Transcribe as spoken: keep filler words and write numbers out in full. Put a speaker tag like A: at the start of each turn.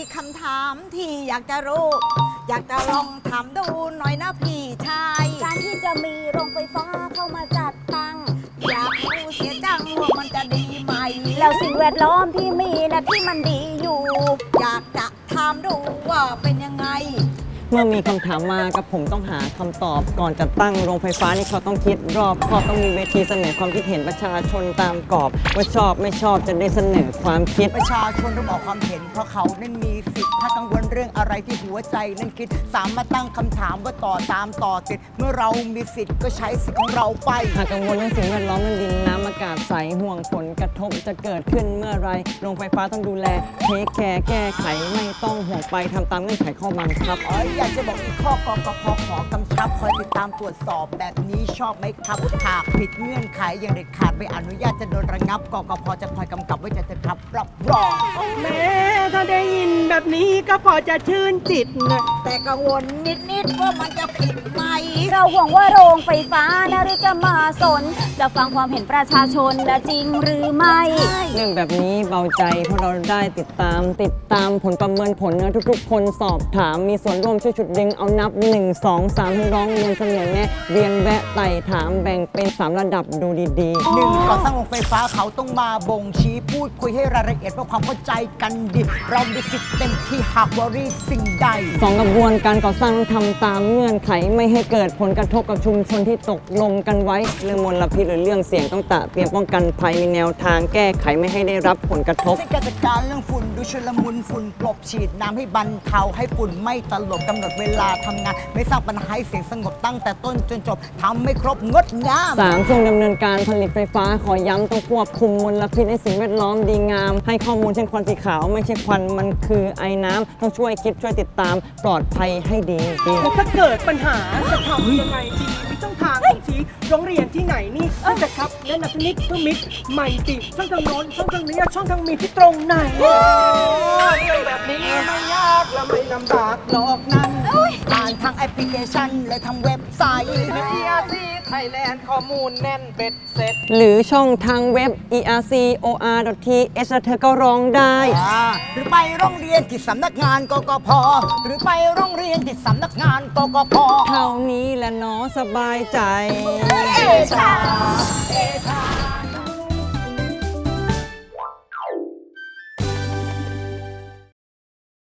A: คำถามที่อยากจะรู้ อยากจะลองถามดูหน่อยนะพี่ชาย
B: การที่จะมีโรงไฟฟ้าเข้ามาจัดตั้ง
A: อยากรู้เสียจังว่ามันจะดีไหม
B: แล้วสิ่งแวดล้อมที่มีนะที่มันดีอยู่
A: อยากจะถามดูว่าเป็นยังไง
C: เมื่อมีคำถามมากับผมต้องหาคำตอบก่อนจะตั้งโรงไฟฟ้านี่เขาต้องคิดรอบคอบต้องมีเวทีเสนอความคิดเห็นประชาชนตามกรอบว่าชอบไม่ชอบจะได้เสนอความคิด
A: ประชาชนต้องออกความเห็นเพราะเขานั้นมีสิทธิ์ถ้ากังวลเรื่องอะไรที่หัวใจนั้นคิดสามารถตั้งคำถามว่าต่อตามต่อติดเมื่อเรามีสิทธิ์ก็ใช้สิทธิ์ของเราไป
C: หากกังวลเรื่องสิ่งแวดล้อมเรื่องดินน้ำอากาศใสห่วงผลกระทบจะเกิดขึ้นเมื่อไรโรงไฟฟ้าต้องดูแลเทคแคร์แก้ไขไม่ต้องห่วงไปทำตามเงื่อนไขข้อบังคับ
A: อ๋ออยากจะบอกอีกข้อกกพขอกำชับคอยติดตามตรวจสอบแบบนี้ชอบไหมครับหากผิดเงื่อนไขอย่างเด็ดขาดไม่อนุญาตจะโดนระงับกกพจะคอยกำกับไว้จะจะครับรับรอง
D: แม้ถ้าได้ยินแบบนี้ก็พอจะชื่นจิตนะ
A: แต่กังวลนิดๆว่ามันจะผิดไหม
B: เราห่วงว่าโรงไฟฟ้านะหรือจะมาสนจะฟังความเห็นประชาชนและจริงหรือไม่
C: เรื่องแบบนี้เบาใจเพราะเราได้ติดตามติดตามผลประเมินผลนะทุกๆคนสอบถามมีส่วนร่วมช่วยฉุดดึงเอานับหนึ่ง สอง สามทั้งร้องเรียนเสนอแนะเรียนแวะไต่ถามแบ่งเป็นสามระดับดูดี
A: ๆหนึ่งก่อสร้างโรงไฟฟ้าเขาต้องมาบ่งชี้พูดคุยให้รายละเอียดเพื่อความเข้าใจกันดีเรามีสิทธิ์เต็มที่หากวอรี่สิ่งใด
C: สองกระบวนการก่อสร้างต้องทำตามเงื่อนไขไม่ให้เกิดผลกระทบกับชุมชนที่ตกลงกันไว้เรื่องมลพิษหรือเรื่องเสี่ยงต้องตะเตรียมป้องกันภัยมีแนวทางแก้ไขไม่ให้ได้รับผลกระทบ
A: ในการจัดการเรื่องฝุ่นดูชุลมุนฝุ่นกลบฉีดน้ำให้บรรเทาให้ฝุ่นไม่ตลบกำหนดเวลาทำงานไม่สร้างปัญหาให้เสียงสงบตั้งแต่ต้นจนจบทำไม่ครบงดงาม
C: สามช่วงดำเนินการผลิตไฟฟ้าขอย้ำต้องควบคุมมลพิษในสิ่งแวดล้อมดีงามให้ข้อมูลเช่นควันสีขาวไม่ใช่ควันมันคือไอน้ำต้องช่วยคิดช่วยติดตามปลอดภัยให้ดีดี
D: ถ้าเกิดปัญหาจะทำยังไงดีมีช่องทางของชี้โรงเรียนที่ไหนนี่จะครับแนะนำนิดเพื่อมิตรใหม่ติช่องทางโน้นช่องทางนี้ช่องทางมีที่ตรงไหนเรื่องแบบนี้ไม่ยากและไม่ลำบากหรอกนั่น
A: ผ่านทางแอปพลิเคชันและทางเว็บไซต์
D: อี อาร์ ซี Thailand ข้อมูลแน่นเบ็ดเสร็จ
C: หรือช่องทางเว็บ อี อาร์ ซี โอ อาร์ ดอท ที เอช เธอก็ร้องได้
A: หรือไปโรงเรียนที่สำนักงานกกพหรือไปโรงเรียนที่สำนักงานกกพ
C: เท่านี้แหละเนาะสบายใจ
A: เอชาเอชา